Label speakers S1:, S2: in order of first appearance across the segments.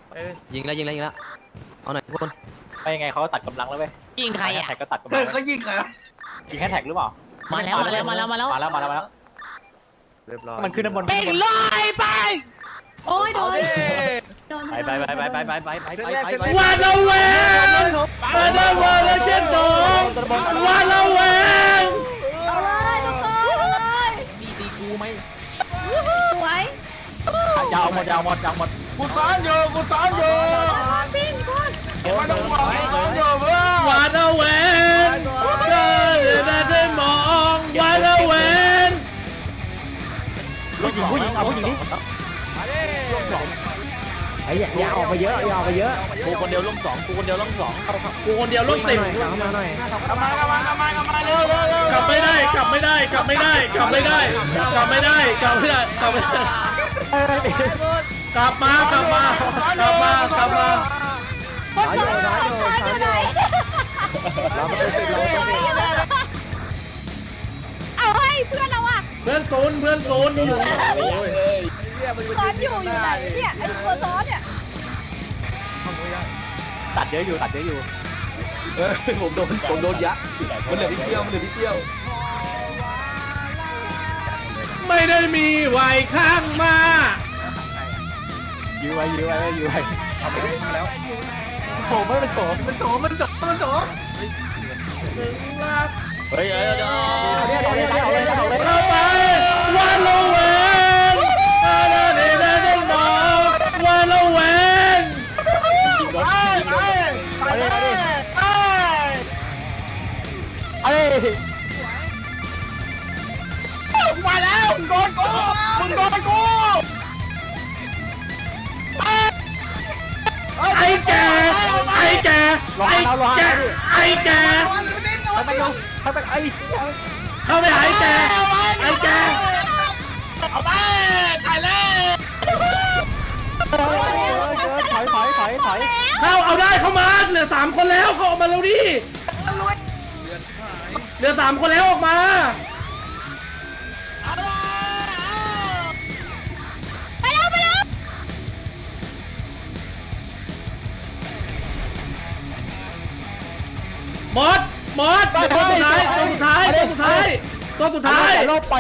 S1: ยิงแล้วเอาหน่อยทุกคน
S2: ไปยังไงเขาก็ตัดกำลังแล้วเว้ย
S3: ยิงใครอ่ะ
S2: แท็กก็ตัดกำลัง
S4: เขายิงใคร
S2: ยิงแค่แท็กหรือเปล่า
S3: มาแล้ว
S4: เรียบร้อย
S2: มันขึ้นด้านบน
S3: เป่งลอยไปโอ้ยโดน
S2: ไป
S5: วาดระแวงวาดระแวงเจ็ดสองวาดระแวง
S6: เอาเลยทุกคนเอาเลย
S2: ตีกูไหม
S6: สวย
S2: ยาวหมด
S4: กูซ้อนอยู่
S6: ปิ้งคุณ
S4: ไม่ต้องห่วงกูซ้อนอยู่เพื่อน
S5: วาดระแวงได้มองวาดระแวง
S2: ผู้หญิงเอาผู้หญิงดิ
S7: ไอ้อย่าออกไปเยอะอย่าออกไปเยอะ
S2: กูคนเดียวล่ม2
S5: กูคนเดียวลง10
S7: เข้ามาหน่อย
S4: กลับมาเร็ว
S5: กลับไม่ได้กลับไม่ได้กลับไม่ได้กลับไม่ได้กลับไม่ได้กลับไม่ได้กลับไม่ได้กลับมากลับมา
S6: คนซ้อนอยู่ไหนเอาให้เพื่อนเราอ่ะ
S5: เพื่อนศูนย์อยู่
S6: ซ้อนอยู่ไหนเนี่ยไอ้ตัวซ้อนเนี่ย
S2: ตัดเยอะอยู่
S4: ผมโดนยัดมันเหลือที่เที่ยว
S5: ไม่ได้มีไหวข้างมา
S2: ยื้อไว้เอาไปแล้วโถไม่เป็นโถเฮ้ย
S5: เราไปวันละเวนได้มองวันละเวน
S4: มาแล้วมึงโดนกู
S5: ไอ้แกเข้าไปหาไอ้แก
S4: เอาไปตายแล้ว
S5: เอาได้เข้ามาเหลือ3คนแล้วเขาออกมาแล้วดิเหลือ3คนแล้วออกมา
S6: ไปแล้ว
S5: หมดตัวสุดท้าย
S2: ลบไป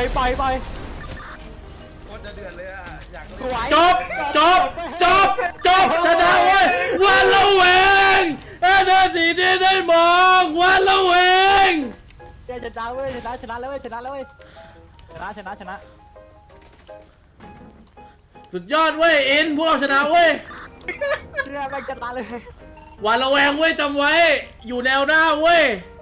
S5: จบชนะเว้ยวันละเวงเดินสีได้มองวันละเวง
S2: ชนะเว้ยชนะแล้วเว้ยชนะ
S5: สุดยอดเว้ยอินพวกเราชนะเว้ย
S2: แม่งชนะเลย
S5: วันละแวงเว้ยจำไว้อยู่แนวหน้าเว้ย